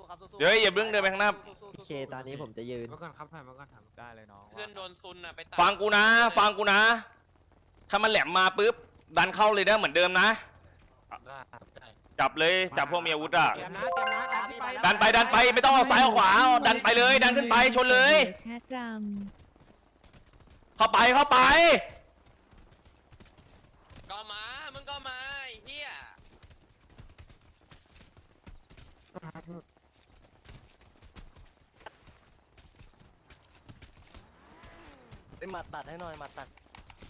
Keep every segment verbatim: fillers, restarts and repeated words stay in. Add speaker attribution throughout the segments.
Speaker 1: เดี๋ยวอย่าเพิ่งเดินไปข้างหน้า
Speaker 2: เคตอนนี้ผมจะยืน
Speaker 3: มาก่อนครับถ่ายมาก่อนถามได้เลยน้อง
Speaker 4: เพื่อนโดนซุนอ่ะไป
Speaker 1: ฟังกูนะ ฟังกูนะ ถ้ามันแหลมมาปุ๊บดันเข้าเลยนะเหมือนเดิมนะจับเลยจับพวกมีอาวุธอ่ะ
Speaker 3: เตรียมนะเตรียมนะดันไป
Speaker 1: ดันไปดันไปไม่ต้องเอาซ้ายเอาขวาดันไปเลยดันขึ้นไปชนเลย
Speaker 5: แชทร
Speaker 1: เข้าไปเข้าไป
Speaker 4: ก็มามึงก็มาไอ้เหี้ย
Speaker 2: ไปมาตัดให้หน่อยมาตัด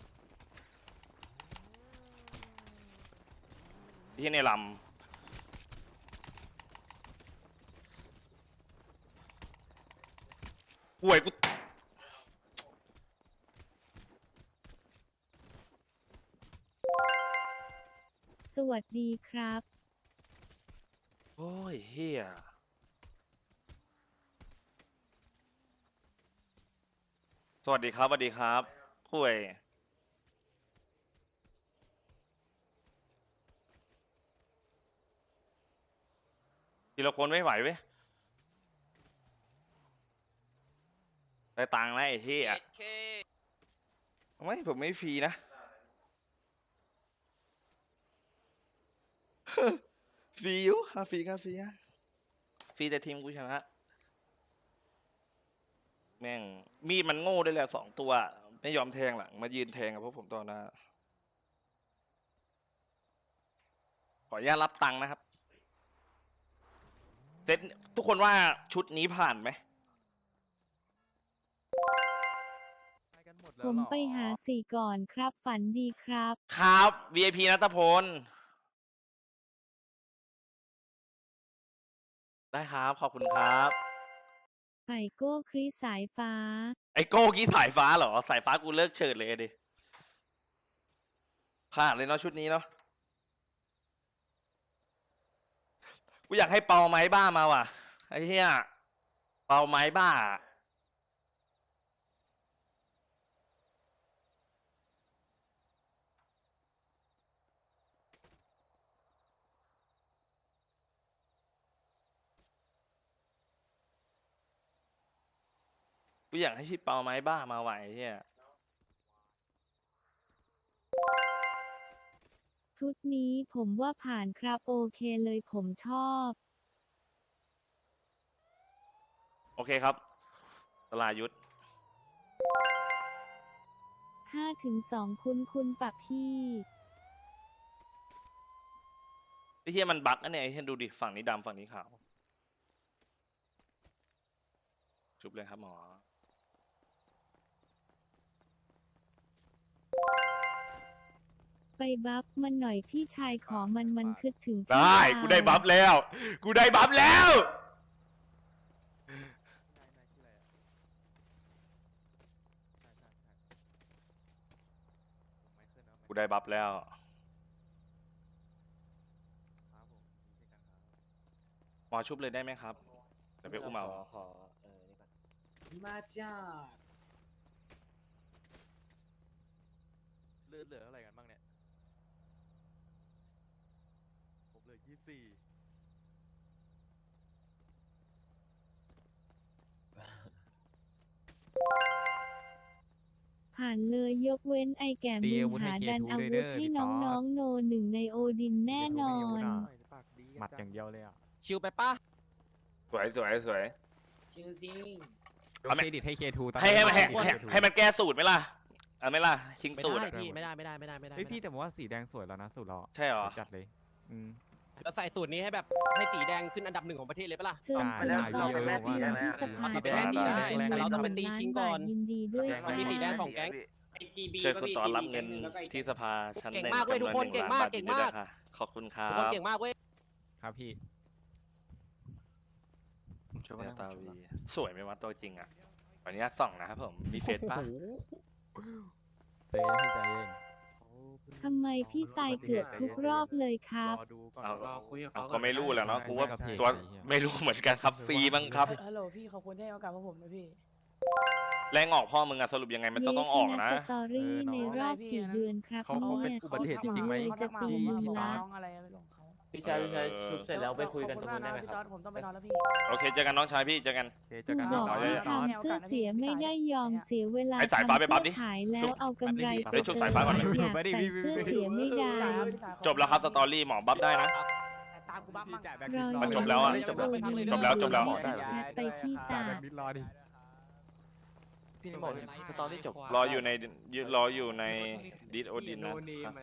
Speaker 1: ที่ในลำห่วยกู
Speaker 5: ำสวัสดีครับ
Speaker 1: โอ้ยเฮียสวัสดีครับสวัสดีครับห่วยทีละคนไม่ไหวเว้ยได้ตังค์แล้วไอ้เฮีย
Speaker 4: เอ็ดเค
Speaker 1: ไม่ผมไม่ฟรีนะ ฟรีอยู่ค่าฟรีค่าฟรีอะฟรีแต่ทีมกูชนะแม่งมีดมันโง่ด้วยแหละสองตัวไม่ยอมแทงหลังมายืนแทงกับพวกผมตอนหน้าขออนุญาตรับตังค์นะครับเซตทุกคนว่าชุดนี้ผ่านไหม
Speaker 5: ผมไปหาสี่ก่อนครับฝันดีครับ
Speaker 1: ครับ วี ไอ พี นัทพลได้ครับขอบคุณครับ
Speaker 5: ไก่โก้คริสสายฟ้า
Speaker 1: ไอโก้กี้สายฟ้าเหรอสายฟ้ากูเลิกเชิดเลยดิผ่านเลยเนาะชุดนี้เนาะกูอยากให้เปาไม้บ้ามาว่ะไอ้เหี้ยเปาไม้บ้ากูอยากให้พี่เปาไม้บ้ามาไหวเฮีย
Speaker 5: ชุดนี้ผมว่าผ่านครับโอเคเลยผมชอบ
Speaker 1: โอเคครับตลายุทธ
Speaker 5: ห้าถึงสองคุณคุณปะพี่
Speaker 1: ไอ้เฮียมันบั๊กนะเนี่ยไอ้เฮียดูดิฝั่งนี้ดำฝั่งนี้ขาวชุบเลยครับหมอ
Speaker 5: ไปบัฟมันหน่อยพี่ชายขอมันมันคิดถึงพี่
Speaker 1: ได้
Speaker 5: ดาว
Speaker 1: กูได้บัฟแล้ว กูได้บัฟแล้ว กูได้บัฟแล้วหมอชุบเลยได้ไหมครับเดี๋ยวไปอุ้มเอา
Speaker 2: ขอเออนี่ก่อน
Speaker 3: มาจ้า
Speaker 6: เลือดเหลืออะไรกันบ้างเนี่ยผมเหลือยี่สี่
Speaker 5: ผ่านเลยยกเว้นไอแก่มึงหาดันอาวุธให้น้องๆโนหนึ่งในโอดินแน่นอน
Speaker 3: หมัดอย่างเดียวเลยอ่ะ
Speaker 2: ชิวไปป้า
Speaker 1: สวยสวยสวย
Speaker 3: ชิวซิง
Speaker 1: เอา
Speaker 3: เค
Speaker 1: ไหม
Speaker 3: รดิตให้เคทูตอน
Speaker 1: ให้ให้ให้
Speaker 3: นี้
Speaker 1: ให้ให้มันแก้สูตรไหมล่ะเอาไหมล่ะชิง
Speaker 2: ไม่
Speaker 1: สูตร
Speaker 2: ได้
Speaker 1: อะ
Speaker 2: พี่ไม่ได้ไม่ได้ไม่ได้ไม่ได้
Speaker 3: เฮ้ยพี่แต่ผมว่าสีแดงสวยแล้วนะสูตรเรา
Speaker 1: ใช่เหรอ
Speaker 3: สวยจัดเลยอืม
Speaker 2: เราใส่สูตรนี้ให้แบบให้สีแดงขึ้นอันดับหนึ่งของประเทศเลยปะล่ะ
Speaker 5: เชิญ
Speaker 3: ได้
Speaker 5: คุณ
Speaker 3: ได้
Speaker 5: เข้า
Speaker 3: เยอะ
Speaker 5: ไป
Speaker 3: มาก
Speaker 5: ที่
Speaker 3: ได้
Speaker 5: สภา
Speaker 2: ได้ได้ได้แต่เราต้องไปตีชิงก่อน
Speaker 5: ยินดีด้วยค
Speaker 2: มันมีสีแดง
Speaker 5: รับ
Speaker 2: สองแก๊ง
Speaker 1: เชิญคุณต่อรับเงินที่สภาชั้นหนึ่ง
Speaker 2: เก่งมากเว้ยทุกคน
Speaker 1: จำวหง
Speaker 2: เก่งมาก
Speaker 1: ล้นบท
Speaker 2: เก่งมาก
Speaker 1: ด้วยนะคะขอบคุณครั
Speaker 2: ทุกคน
Speaker 1: บ
Speaker 2: เก่งมากเว้ย
Speaker 3: ครับพี่
Speaker 1: แววตาวีสวยไหมวะตัวจริงอ่ะวันนี้ส่องนะครับผมมีเฟซป่ะ
Speaker 3: เต้พี่ใจเย็น
Speaker 5: ทำไมพี่ตายเกือบทุกรอบเลยครับ
Speaker 6: รอดูก่อน
Speaker 1: เอา
Speaker 6: รอคุยกับ
Speaker 1: เอา
Speaker 6: เขา
Speaker 1: ก็ไม่รู้แหล้วเนาะกูว่า
Speaker 3: ใช่ครับพี่
Speaker 1: ตัว
Speaker 3: ใช่ครับ
Speaker 1: ไม่รู้เหมือนกันครับฟรีบ้างครับ
Speaker 7: ฮัลโหลพี่ขอบคุณที่ให้โอกาสพวกผมนะพี่
Speaker 1: แรงออกพ่อมึงอะสรุปยังไงมันจะต้องออกนะ
Speaker 5: เยชสตอรี่ในรอบกี่เดือนครับ
Speaker 6: เขาเขาเป็น
Speaker 5: เนี่ย
Speaker 6: อุบัติเหตุจริงๆไหม
Speaker 5: จะปี
Speaker 6: พี่
Speaker 5: นึง
Speaker 6: พี่
Speaker 5: ละ
Speaker 6: ตา
Speaker 7: น้องอะไรไม่รู้ของเขา
Speaker 8: พี่ชายพี่ชายชุบเสร็จแล้วไปคุยกัน
Speaker 7: ข
Speaker 8: ต
Speaker 7: อบ
Speaker 8: รง
Speaker 7: คุณ
Speaker 8: นู้
Speaker 7: มาก
Speaker 8: นได้
Speaker 7: นะ
Speaker 8: ไหม
Speaker 7: พี่
Speaker 8: ค
Speaker 7: จ
Speaker 8: รั
Speaker 7: อบ ร์ดผมต้องไปนอนแล้วพี่
Speaker 1: โอเคเจอกันน้องชายพี่เจอกัน
Speaker 3: โอเคเจอ
Speaker 5: กู
Speaker 3: กัน
Speaker 5: บอก
Speaker 3: ต่อ
Speaker 5: ว่า
Speaker 3: เลย
Speaker 5: ทำเสื้อเสียไม่ได้ยอมเสียเวลา
Speaker 1: ไอ้สายฟ้าไปปั๊บดิ
Speaker 5: ทำเสื้อขายแล้วเอากำไร
Speaker 1: ไปชุบสายฟ้าก่อนไหม
Speaker 5: อยากใส่เสื้อเสียไม่ได้
Speaker 1: จบแล้วครับสตอรี่หมอบัฟได้นะ
Speaker 2: ตามกูบ้าง
Speaker 3: พี่จ่ายแบ็ค
Speaker 5: ร
Speaker 3: ลิ
Speaker 5: อ
Speaker 3: สต์รอ
Speaker 1: มันจบแล้วอะ
Speaker 5: อยู่
Speaker 1: จบแล้ว
Speaker 5: เออ
Speaker 1: จบแล้วจบแล้ว
Speaker 5: แชทไปที่
Speaker 3: จ่า
Speaker 5: ตาย
Speaker 3: แบ็คลิสต์รอดิ
Speaker 8: พี่นี่บอกสตอรี่จบ
Speaker 1: รออยู่ในรออยู่ในดิสโอดินนะครับ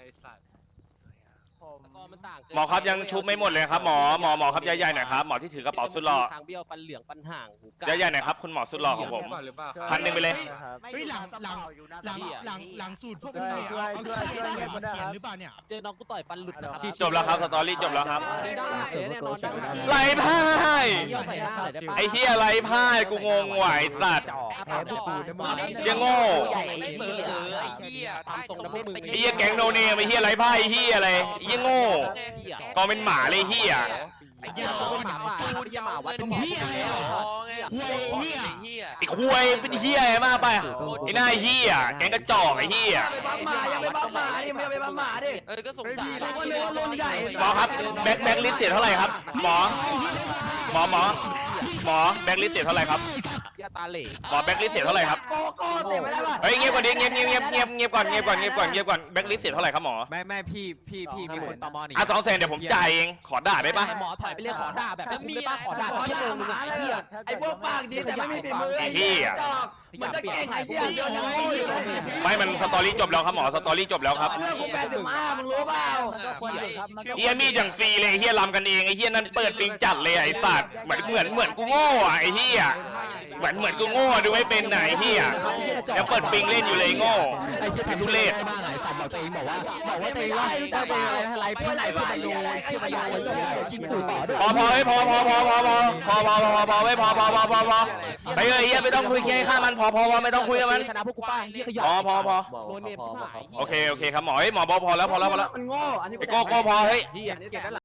Speaker 2: มันต่างเกิน
Speaker 1: หมอครับยังชุบไม่หมดเลยครับหมอหมอหมอครับใหญ่ๆหน่อยครับหมอที่ถือกระเป๋าสุดหล่อ
Speaker 2: ทางเบี้ยวฟันเหลืองฟันห่างหูกา
Speaker 1: ใหญ่ๆหน่อยครับคุณหมอสุดหล่อของผมพันหนึ่งไปเลย
Speaker 9: เฮ้ยหลังหลังหลังหลังหลังสูตรพวกมึงเนี่ยเอาเอาชื่ออะไรมาเขียนหรือเปล่าเนี่ย
Speaker 2: เจอน้องกูต่อยฟันหลุดนะครับ
Speaker 1: จบแล้วครับสตอรี่จบแล้วครับ
Speaker 2: ได้แน่นอนได้
Speaker 1: ไร้พ่าย
Speaker 2: เยี่ยวใส่หน้าหน่อยได้ปะ
Speaker 1: ไอ้เฮียไร้พ่ายกูงงไหวสัตว์
Speaker 3: แพ้ปูนนะมึง
Speaker 1: เชี่ยโง่
Speaker 4: ไม่เบอร์เออไอ้เหี้ยใต้ตรงพวก
Speaker 1: ไอ้เฮียแก๊งโนเนมไอ้เฮียไร้พ่ายไอ้เฮียอะไรไอ้เฮียโง่กองเป็นหมาเลยเฮีย
Speaker 9: ไอ้เหี้ยเขาเนี่ยเอาสูตร
Speaker 2: จะมาวัด
Speaker 9: เหี้ยอะไรอ่ะ
Speaker 4: ไอ้เหี้ย
Speaker 1: ไอ้คุยเป็นเฮียอะไรมากไปไอ้หน้าเฮียแก๊งกระจอกไอ้เฮีย
Speaker 2: หมาอย่าไปบ้าหมาดิไม่ไปบ้าหมาดิ
Speaker 4: เออก็สงสาร
Speaker 1: หมอครับแบ็คแบ็คลิสต์เสียเท่าไหร่ครับหมอหมอหมอหมอแบ็คลิสต์เสียเท่าไหร่ครับ
Speaker 2: ยาตาเหล่
Speaker 1: หมอแบ็คลิสต์เสียเท่าไหร่ครับ
Speaker 2: โกโก้เตะไม่ได้ป่ะ
Speaker 1: เฮ้ยเงียบก่อนดิเงียบเงียบเงียบเงียบเงียบก่อนเงียบก่อนเงียบก่อนเงียบก่อนแบ็คลิสต์เสียเท่าไหร่ครับหมอ
Speaker 3: ไม่ไม่พี่พี่พี่มีคนตอมอหนี
Speaker 1: อ่ะสองแสนเดี๋ยวผมจ่ายเองขอด่าได้ปะ
Speaker 2: หมอถอยไปเรียกขอด่าแบบไม่ได้ป่ะขอด่าชั่วโมงนึงไอ้เหี้ย
Speaker 7: ไอ้พวกปากดีแต่ไม่มีฝีมือ
Speaker 1: ไอ้เฮีย
Speaker 2: มันจะเก่งไอ้เหี้ย
Speaker 9: เดี๋ยวนะ
Speaker 1: ไม่มันสตอรี่จบแล้วครับหมอสตอรี่จบแล้วครับ
Speaker 7: เรื่องกูแปดสิบห้ามึงรู้เปล่า
Speaker 1: เฮียมีดอย่างฟรีเลยไอ้เฮียลำกันเองไอ้เฮียนั่นเปิดปิงจัดเลยไอ้สัตว์เหมือนเหมือนเหมือนกูโง่อะไอ้เฮียเหมือนเหมือนกูโง่ดูไม่เป็นไหนเฮียยังเปิดปิงเล่นอยู่เลยโง่
Speaker 3: ไอ้เชี่ย
Speaker 1: ทุเรศ
Speaker 3: บ้างไอ้สัตว์บอกตัวเองบอกว่าบอกว่าตัวเองว่าจะไปอะไรเพื่อนไหนเพื่อนดูที่พยานจิ้มสูต่อด้วย
Speaker 1: พอพอเฮ้ยพอพอพอพอพอพอพอพอพอพอเฮ้ยพอพอพอพอพอไปเลยเฮียไม่ต้องคุยแค่ข้ามันพอพอพอไม่ต้องคุยกับมัน
Speaker 2: ชนะพวกกูป้าเหี้ยขยะ
Speaker 1: พอพอพอ
Speaker 2: โดนเนมที่หาย
Speaker 1: โอเคโอเคครับหมอเฮ้ยหมอบอกพอแล้วพอแล้วพอแล้ว
Speaker 7: มันโง่อันนี้
Speaker 1: ไอ้โก้โก้พอเฮ้ย
Speaker 2: เหี้ยเก็บได้